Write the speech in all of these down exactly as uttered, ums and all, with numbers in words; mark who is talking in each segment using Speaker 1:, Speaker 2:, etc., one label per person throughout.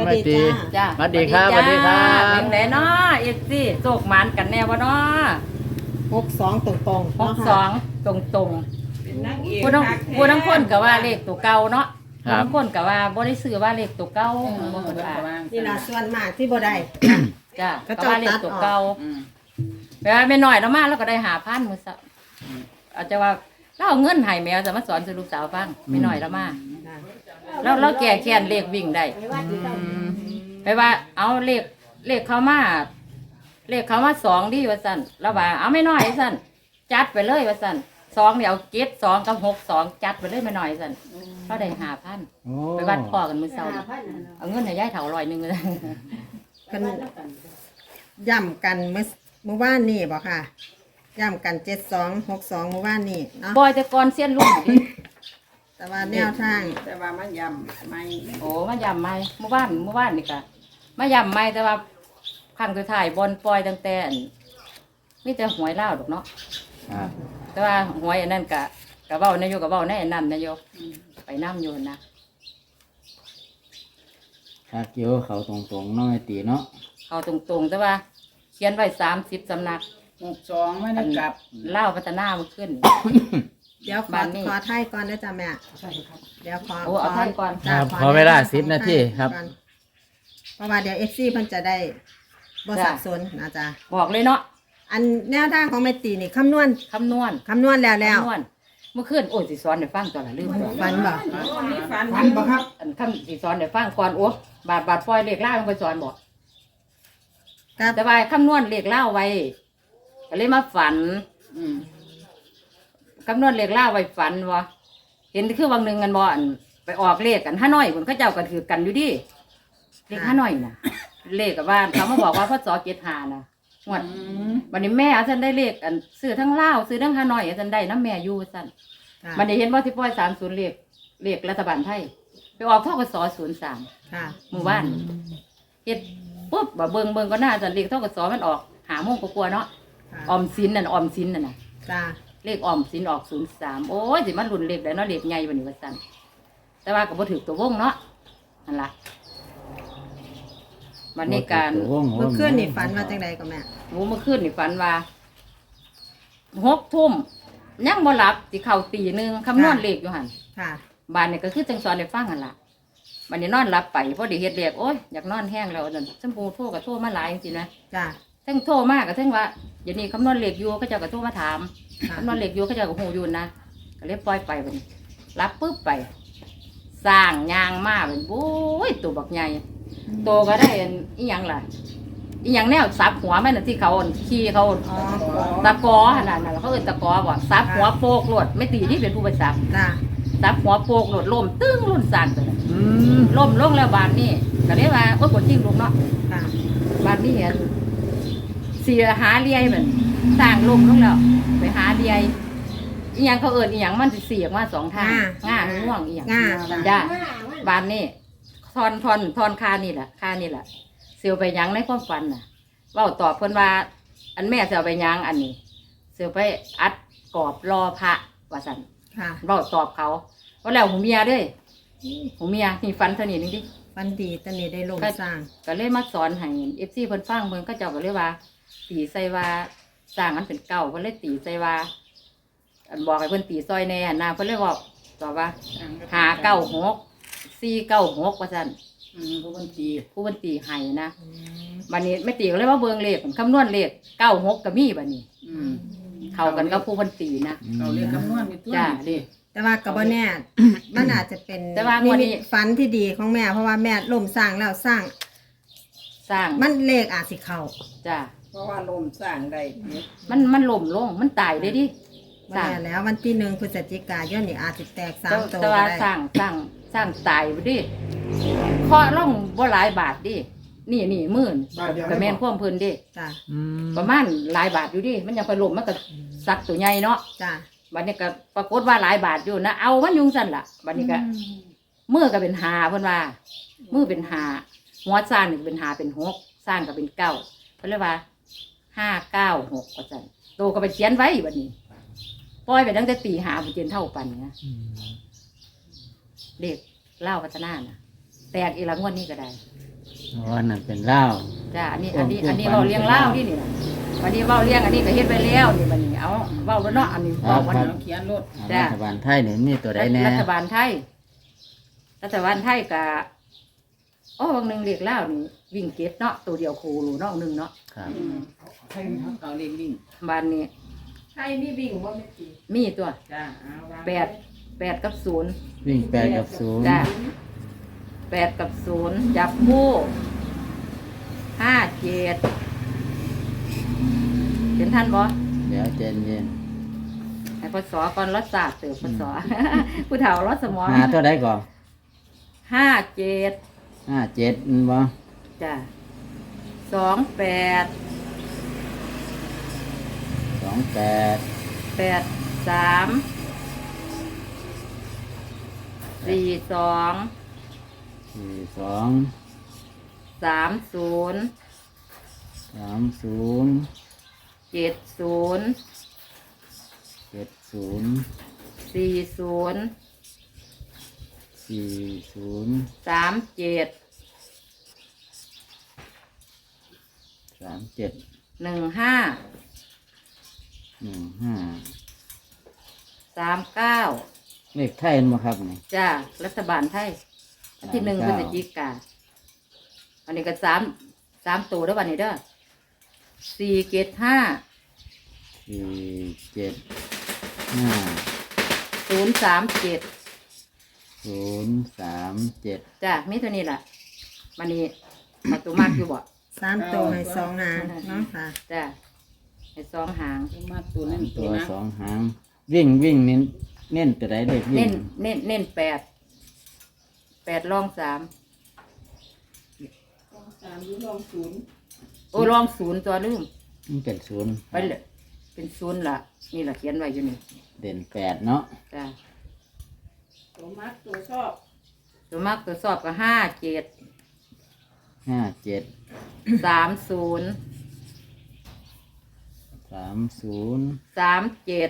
Speaker 1: แม่ตี
Speaker 2: จ้า
Speaker 1: สวัสดีครับสวัสดีครับ
Speaker 2: เป็นไหนเนาะเอฟซีโศกหมันกันแน่วะเนาะ
Speaker 3: หกสองตรงตรง
Speaker 2: หกสองตรงตรงๆผู้ทั้งผู้ทั้งคนก็ว่าเลขตัวเก่าเนาะ
Speaker 1: ครับ
Speaker 2: ผู้ทั้งคนก็ว่าบ่ได้ซื้อว่าเลขตัวเก่าบ่คนว่า
Speaker 3: นี่ล่ะส่วนมากที่บ่ได้
Speaker 2: จ้า
Speaker 3: ก็
Speaker 2: ก็
Speaker 3: เจ้า
Speaker 2: ว่าเลขตัวเก่าแปลว่าไม่น้อยแล้วมาแล้วก็ได้หาพันมื้อซะอาจจะว่าเราเอาเงินให้แมวจะมาสอนสู่ลูกสาวฟังไม่น้อยแล้วมาแล้วเราแก่แค้นเลขวิ่งได้ไปว่าเอาเลขเลขเขามาเลขเขามาสองดีว่าสั่นแล้วว่าเอาไม่น้อยสั่นจัดไปเลยว่าสั่นสองเดี๋ยวเก็ดสองกับหกสองจัดไปเลยไม่น้อยสั่นเขาได้หาพัน
Speaker 1: โอ้
Speaker 2: ไปวัดพ่อกันมื้อเช้านี่เอาเงินให้ยายเฒ่าร้อยหนึงเลย
Speaker 3: กันย่ำกันเมื่อเมื่อวานนี่บ่ค่ะย่ำกันเจ็ดสองหกสองเมื่อวานนี่เนาะ
Speaker 2: บอยแต่ก่อนเสี้ยนลูกดิ
Speaker 3: แต่ว่าแนวทาง
Speaker 4: แต่ว่ามันยำไม่
Speaker 2: โอ้มายำไม่เมื่อวานเมื่อวานนี่กะมายำไม่แต่ว่าครั้งสุดท้ายบอลปล่อยตั้งแต่อันมีแต่หวยเล่าวดอกเนาะ
Speaker 1: ครับ
Speaker 2: แต่ว่าหวยอันนั้นกะกะเบ้านายโยกะเบ้าในอันนั้นนายโยไปน้ำโยนนะ
Speaker 1: ถ้าเกี่ยวเขาตรงๆเน้องแม่ตีเนาะ
Speaker 2: เขาตรงๆแต่ว่า เขียนไว้สามสิบสำนัก
Speaker 4: หกสองไม่ได้กลับ
Speaker 2: เล่าวพัฒนามันขึ้น
Speaker 3: เดี๋ยวขอ
Speaker 2: บ้านนี่
Speaker 3: ขอไทยก่อนนะจ๊ะแม่เดี๋ยวขอ
Speaker 2: โอ้เอาท่านก่อน
Speaker 3: จ้ะ
Speaker 1: ครับ
Speaker 3: ข
Speaker 1: ขอเวลาสิบนาทีครับ
Speaker 3: ก่อนเพราะว่าเดี๋ยวเอฟซีเพิ่นจะได้บ่สับสนนะจ๊ะ
Speaker 2: บอกเลยเนาะ
Speaker 3: อันแนวทางของแม่ตีนี่คำนวณ
Speaker 2: คำนวณ
Speaker 3: คำนวณแล้วแล้ว
Speaker 2: คำนวณเมื่อคืนโอ้ยสิสอนเดี๋ยวฟังตอนละลืมบอก
Speaker 3: ฟันบ่
Speaker 4: ฟัน
Speaker 5: ฟันบ่ครับ
Speaker 2: อันคำสิสอนเดี๋ยวฟังก่อนโอ้บาทบาทปล่อยเลขล่าลงไปสอนบอก
Speaker 3: ครับ
Speaker 2: แต่ว่าคำนวณเลขเล่าไว้ก็เลยมาฝัน
Speaker 4: อืม
Speaker 2: คำนวณเลขเล่าไว้ฝันวะเห็นคือวันหนึ่งกันบ่อันไปออกเลขกันห้าน้อยคนเขาเจ้ากันถือกันอยู่ดิเลขห้าน้อยน่ะ เลขกับว่าเขามาบอกว่าพ่อจอเจ็ดหานะงวดวันนี้แม่อาจารย์ได้เลขอันซื้อทั้งเล่าวซื้อทั้งห้าน้อยอาจารย์ได้น้ำแม่อยู่สั่น
Speaker 3: ค่ะ
Speaker 2: มันได้เห็นว่าที่ป้อยสามศูนย์เลขเลขรัฐบาลไทยไปออกทกศศูนย์สาม
Speaker 3: ค่ะ
Speaker 2: หมู่บ้านเฮ็ดปุ๊บบ่เบิ่งเบิ่งก็น่าจะเลขทกศมันออกหาโมงกว่าๆเนาะ
Speaker 3: ค่ะ
Speaker 2: ออมสินนั่นออมสินนั่นน่ะ
Speaker 3: จ้า
Speaker 2: เลขออมสินออกศูนย์สามโอ้ยสิมันรุนเลขได้เนาะเลขใหญ่วันนี้ว่าสั่นแต่ว่าก็บ่ถือตัววงเนาะนั่นล่ะวันนี้การ
Speaker 1: โอ้โห
Speaker 3: เมื่อคืนนี่ฝันว่าจังใดก็แม่
Speaker 2: หมูเมื่อคืนนี่ฝันว่าหกทุ่มยังบ่หลับสิเข้าตีหนึงคำนวณเลขอยู่หั่น
Speaker 3: ค่ะ
Speaker 2: บ้านนี่ก็คือจังสอนได้ฟังหั่นล่ะบัดนี้นอนหลับไปพอดีเฮ็ดเลขโอ้ยอยากนอนแห้งแล้วนั่นชมพูโทรก็โทรมาหลายจริงๆนะ
Speaker 3: จ้า
Speaker 2: ทั้งโทรมากกับทั้งว่าเดี๋ยวนี้คำนวณเลขอยู่เขาเจ้าก็โทรมาถาม
Speaker 3: ค่ะ
Speaker 2: คำนวณเลขอยู่เขาเจ้าก็หูอยู่นะก็เลยปล่อยไปบัดนี้รับปุ๊บไป สร้างยางมาเป็นโอ้ยตัวบักใหญ่ตัวก็ได้อันอีหยังล่ะอีหยังแนวซับหัวแม่น่ะที่เขาอั่นขี่เขา
Speaker 3: อ๋อ
Speaker 2: ตะกอขนาดนั้นเขาเอิ้นตะกอบ่ซับหัวโปกโลดไม่ตีที่เป็นผู้ไปซับ
Speaker 3: จ้า
Speaker 2: ซับหัวโปกโลดล่มตึ้งลุ่นสั่นไปเลย
Speaker 1: อืม
Speaker 2: ล่มลงแล้วบานนี้ก็เลยว่าโอ้ยกดจิ้งลุกเนาะ
Speaker 3: ค่ะ
Speaker 2: บานนี้เห็นเสียหาเลียเหมือนสร้างลมลงแล้วไปหาเลียอีหยังเขาเอิ้นอีหยังมันสิเสียกมาสองทางง่าง่วงอีหยัง
Speaker 3: ง่า
Speaker 2: จ้าบานนี้ทอนทอนทอนคานี่แหละคานี่แหละเสียวไปหยังในความฝันน่ะเว่าตอบเพิ่นว่า อันแม่เสียวไปหยังอันนี้เสียวไปอัดกรอบรอพระว่าสัน
Speaker 3: ค่ะ
Speaker 2: เว่าตอบเขาว่าแล้วหูเมียเด้วยหูเมียนี่ฝันเท่านี้นึงดิ
Speaker 3: ฟันดีตอนนี้ได้ลงสร้าง
Speaker 2: ก็เลยมาสอนให้เอฟซีเพิ่นฟังเพิ่นก็เจ้าก็เลยว่า ตีใส่ว่าสร้างมันเป็นเก่าเพิ่นเลยตีใส่ว่า อันบอกให้เพิ่นตีซอยแน่นะเพิ่นเลยบอกตอบว่าหาเก้าหกสี่เก้าหกว่าซั่น
Speaker 4: อืมผู้บัญชี
Speaker 2: ผู้เพิ่นตีให้นะบัดนี้ไม่ตีก็เลยว่าเบิ่งเลขคำนวณเลขเก้าหกก็มีบัดนี้
Speaker 4: อืม
Speaker 2: เข้ากันกับผู้เพิ่นตีนะ
Speaker 4: เขาเรียกคำนวณมีตัว
Speaker 2: จ้าดิ
Speaker 3: แต่ว่ากับแน่ มันอาจจะเป็น
Speaker 2: แต่ว่างวดนี้
Speaker 3: นิมิตฝันที่ดีของแม่ เพราะว่าแม่ล่มสร้างแล้วสร้าง
Speaker 2: สร้าง
Speaker 3: มันเลขอาจสิเข้า
Speaker 2: จ้า
Speaker 4: เพราะว่าลมสร้างได้เนี่ย
Speaker 2: มันมันล่มลงมันตายเลยดิสร้าง
Speaker 3: แม่แล้ววันที่หนึ่งพฤศจิกายนนี่อาจจะแตกสาม
Speaker 2: แต่
Speaker 3: ตัว
Speaker 2: แต่
Speaker 3: ก็
Speaker 2: ว่า
Speaker 3: ได้
Speaker 2: สร้างสร้างสร้างตายบ่ดิเคาะล่องบ่หลายบาทดินี่นี่หมื่น
Speaker 5: บาทเดียว
Speaker 2: ก็แม่นความเพิ่นดิ
Speaker 3: จ้า
Speaker 1: อืม
Speaker 2: ประมาณหลายบาทอยู่ดิมันยังไปล่มมันก็สักตัวใหญ่เนาะ
Speaker 3: จ้า
Speaker 2: บัดนี้ก็ปรากฏว่าหลายบาทอยู่นะเอามันอยุงสั่นล่ะบัดนี้ก็มือก็เป็นหาเพิ่นว่ามือเป็นหาหัวสร้างนี่เป็นหาเป็นหกสร้างก็เป็นเก้าเพิ่นเลยว่าห้าเก้าหกว่าซั่นโตก็ไปเขียนไว้บัดนี้ปล่อยไปตั้งแต่ตีหาบุเจนเท่าปันนะ
Speaker 1: อืม
Speaker 2: เด็กเล่าพัฒนาน่ะแตกอีกหลังวันนี้ก็ได้
Speaker 1: อ๋อนั่นเป็นเหล้า
Speaker 2: จ้าอันนี้อันนี้
Speaker 1: โอ้
Speaker 2: อันนี้
Speaker 1: เพื่อน
Speaker 2: เว้าเลี้ยงเล่าที่นี่นะวันนี้เว้าเลี้ยงอันนี้ก็เฮ็ดไปแล้วนี่บัดนี้เอาเว้าแล้วเนาะอันนี้
Speaker 1: ครั
Speaker 2: เว้า
Speaker 1: บ
Speaker 2: วัน
Speaker 1: ครั
Speaker 2: นี้
Speaker 1: บ
Speaker 4: เขียนรถ
Speaker 2: จ้ะ
Speaker 1: รัฐบาลไทยนี่มีตัวใดแน่
Speaker 2: รัฐบาลไทย รัฐบาลไทยก็โอ้บางหนึงเรียกเล่านี่วิ่งเก็ตเนาะตัวเดียวโคโลเนาะหนึงเนาะ
Speaker 1: ครับ
Speaker 4: ใช่เขาเรียกลิง
Speaker 2: บ้านนี้
Speaker 4: ใช่มีวิ่งบ่แม่ตี
Speaker 2: มีตัว
Speaker 4: จ้าเอาวาง
Speaker 2: แปดแปดกับศูนย์
Speaker 1: วิ่งแปดกับศูนย์
Speaker 2: จ้าแปดกับศูนย์จับคู่ห้าเจ็ดเห็นท่านบ่
Speaker 1: เดี๋ยวเจนเย็น
Speaker 2: ไอ้พศก่อนรถศาสตร์เติบพศ ผู้เฒ่ารถสมอง
Speaker 1: หาตัวใดก่อน
Speaker 2: ห้าเจ็ด
Speaker 1: ห้าเจ็ดมันบ่
Speaker 2: จ้ะสองแปด
Speaker 1: สองแปด
Speaker 2: แปดสามสี่สอง
Speaker 1: สี่สอง
Speaker 2: สามศูนย์
Speaker 1: สามศูนย์
Speaker 2: เจ็ดศูนย์
Speaker 1: เจ็ดศูนย์
Speaker 2: สี่ศูนย์
Speaker 1: สี่ศูนย์
Speaker 2: สามเจ็ด
Speaker 1: สามเจ็ด
Speaker 2: หนึ่งห้า
Speaker 1: หนึ่งห้า
Speaker 2: สามเก้า
Speaker 1: เลขไทยมั้งครับนี่
Speaker 2: จ้ารัฐบาลไทยอันที่หนึ่งพฤศจิกาอันนี้ก็สามสามตัวแล้ววันนี้เด้อสี่เจ็ดห้า
Speaker 1: สี่เจ็ดห้า
Speaker 2: ศูนย์สามเจ็ด
Speaker 1: ศูนย์สามเจ็ด
Speaker 2: จ้ามีเท่านี้แหละวันนี้เอาตัวมากอยู่บ่
Speaker 3: สามตัวให้สองหางเนาะค่ะ
Speaker 2: จ้าให้สองหาง
Speaker 4: มาตัวนั้นตั
Speaker 1: ตัว ว
Speaker 4: นะ
Speaker 1: สองหาง วิ่งวิ่งเน้นเน้นตัวใดเลขวิ่
Speaker 2: เน้
Speaker 1: ง
Speaker 2: นเน้นเน้นแปดแปดรองสาม
Speaker 4: สามหรือลองศูนย์
Speaker 2: โอ้รองศูนย์ตัวลืม
Speaker 1: มันเป็นศูนย์
Speaker 2: ไปเลยเป็นศูนย์ละนี่แหละเขียนไว้อยู่นี่
Speaker 1: เด่นแปดเนาะ
Speaker 2: จ้า
Speaker 4: ตัวมัดตัวชอบ
Speaker 2: ตัวมากตัวสอบก็ห้าเจ็ด
Speaker 1: ห้าเจ็ด
Speaker 2: สามศูนย์
Speaker 1: สามศูนย์
Speaker 2: สามเจ็ด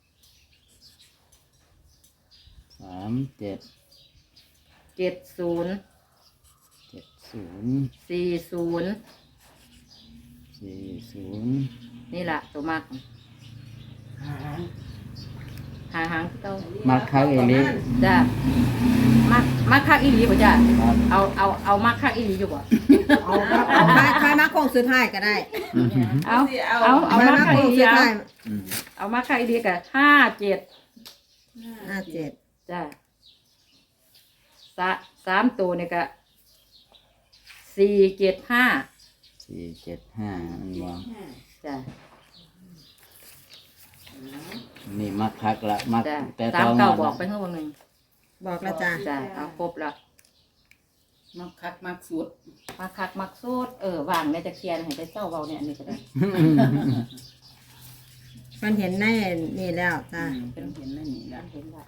Speaker 1: สามเจ็ด
Speaker 2: เจ็ดศูนย์
Speaker 1: เจ็ดศูนย์
Speaker 2: สี่ศูนย์
Speaker 1: สี่ศูนย์
Speaker 2: นี่แหละตัวมากหาหางเต้า
Speaker 1: มักคักเอลิ
Speaker 2: จ้ามักมักคักอีหลีป่ะจ้า
Speaker 1: ครับ
Speaker 2: เอาเอาเอามักคักอีหลีอยู่บ่
Speaker 3: เอาเอาใครใครมาโค้งสุดท้ายก็ได้
Speaker 2: เอาเอาเอา
Speaker 3: ใคร
Speaker 2: มัก
Speaker 3: มา
Speaker 2: คัก
Speaker 3: โค้
Speaker 2: อี
Speaker 3: ง
Speaker 2: หลี
Speaker 3: สุด
Speaker 2: เอา
Speaker 3: ท้าย
Speaker 1: อืม
Speaker 2: เอามักคักอีหลีกับห้าเจ็ด
Speaker 3: ห้าเจ็ด
Speaker 2: จ้าสาสามตัวเนี่ยก็สี่เจ็ดห้า
Speaker 1: สี่เจ็ดห้ามันวาง
Speaker 2: จ้า
Speaker 1: นี่มักคักละมัก
Speaker 2: จ้า
Speaker 1: แต่
Speaker 2: สา
Speaker 1: ต
Speaker 2: ม
Speaker 1: อง
Speaker 2: เก้า
Speaker 1: หมด
Speaker 2: บอก
Speaker 1: ละ
Speaker 2: ไปเมื่อวันหนึ่ง
Speaker 3: บอกแล้วจ้า
Speaker 2: จ้าเอาครบแล้ว
Speaker 4: มักคักมักสุด
Speaker 2: มาคักมักสูดเออวางในจะเคลียร์ให้ไปเจ้าเบาเนี่ยอันนี้ก็ได้
Speaker 3: มันเห็นในนี่แล้วจ้า
Speaker 4: เป็นเห็นนั่นนี่ละ
Speaker 2: เห็นละ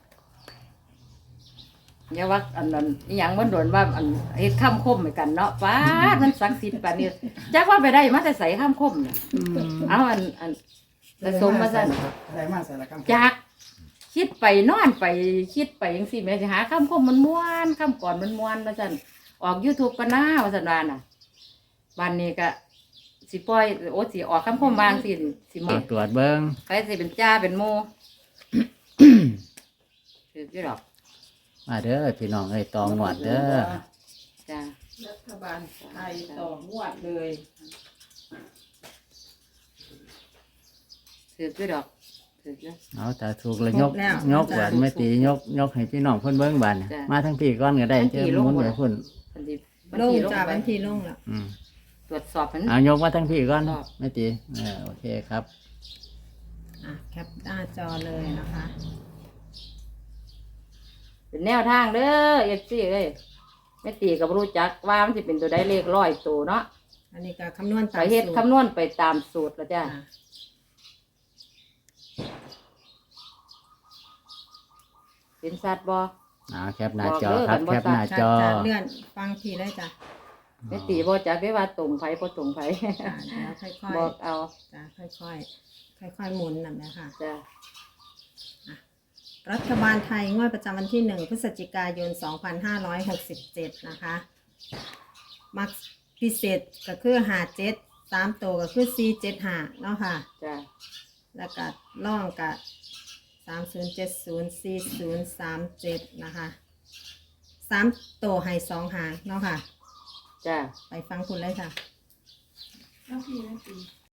Speaker 2: อย่าว่าอันนั้นอหย่างมันโดนว่าอันเฮ็ดข้ามคมเหมือนกันเนาะป้าดมันศักดิ์สิทธิ์ปานนี้จักว่าไปได้มาแต่ใส่ข้ามคมเนี่ยเอาอันอันผสมมาซั่น
Speaker 5: ได้มาสารคาม
Speaker 2: จักคิดไปนอนไปคิดไปจังซี่แม่สิหาข้ามคมมันม่วนข้ามก่อนมันม่วนว่าซั่นออก YouTube ก็น่าว่าซั่นว่าน่ะวันนี้ก็สิปล่อยโอ้สิออกข้ามคมบางสิสิหม
Speaker 1: มา
Speaker 2: ด
Speaker 1: ตรวจเบิ้ง
Speaker 2: ไปสิเป็นจ้าเป็นโม ถือกี่ดอก
Speaker 1: มาเด้อพี่น้องเอ้ยตองหวดเด้อ
Speaker 2: จ้า
Speaker 4: รัฐบาลไทยต่องวดเลย
Speaker 2: ถือกี่ดอกถือกี่
Speaker 1: เอาถ้าถูกแล้วยกยกหวานไม่ตียกยกให้พี่น้องเพิ่นเบิ้งบาน
Speaker 2: จ้ะ
Speaker 1: มาทั้งพี่ก้อนก็ได้เจ้าหมุนไปพุ่น
Speaker 2: วันที่วัน
Speaker 3: ลง
Speaker 2: ที่ลง
Speaker 3: จ้า
Speaker 2: ไป
Speaker 3: วันที่ลงแล้ว
Speaker 1: อืม
Speaker 2: ตรวจสอบมัน
Speaker 1: เอายกมาทั้งพี่ก้อน
Speaker 2: ครับ
Speaker 1: ไม่ตีเออโอเคครับ
Speaker 3: อ่ะแคปหน้าจอเลยนะคะ
Speaker 2: เป็นแนวทางเด้อเอฟซีเอ้ยไม่ตีกับรู้จักว่ามันจะเป็นตัวได้เลขร้อยตัวเนาะ
Speaker 3: อันนี้ก็คำนวณ
Speaker 2: ไป
Speaker 3: ตาม
Speaker 2: เฮ็ด
Speaker 3: สูตร
Speaker 2: คำนวณไปตามสูตรแล้วจ้า
Speaker 3: จ้า
Speaker 2: เป็นสัตว์บ่
Speaker 1: เอาแคปหน้าจอ
Speaker 2: บอกเด้อ
Speaker 1: ครับ
Speaker 2: กันบ่
Speaker 1: แคปหน้า
Speaker 3: จ้า
Speaker 1: จอ
Speaker 3: จ้าเลื่อนฟังทีเลยจ้า
Speaker 2: ไม่ตีบ่จักได้ว่าตรงไผบ่ตรงไผ
Speaker 3: จ้าเดี๋ยวค่อยๆ
Speaker 2: บอกเอา
Speaker 3: จ้าค่อยๆค่อยๆหมุนแบบนี้ค่ะ
Speaker 2: จ้า
Speaker 3: รัฐบาลไทยงวดประจำวันที่หนึ่งพฤศจิกายน สองพันห้าร้อยหกสิบเจ็ด นะคะ มักพิเศษก็คือห้าเจ็ดสามตัวก็คือสี่เจ็ดห้าเนาะค่ะ
Speaker 2: จ้ะ
Speaker 3: แล้วก็ล่องกับสามศูนย์เจ็ดศูนย์สี่ศูนย์สามเจ็ดนะคะสามตัวให้สองหางเนาะค่ะ
Speaker 2: จ้ะ
Speaker 3: ไปฟังคุณเลยค่ะ
Speaker 4: น้ำพี่น้ำพี่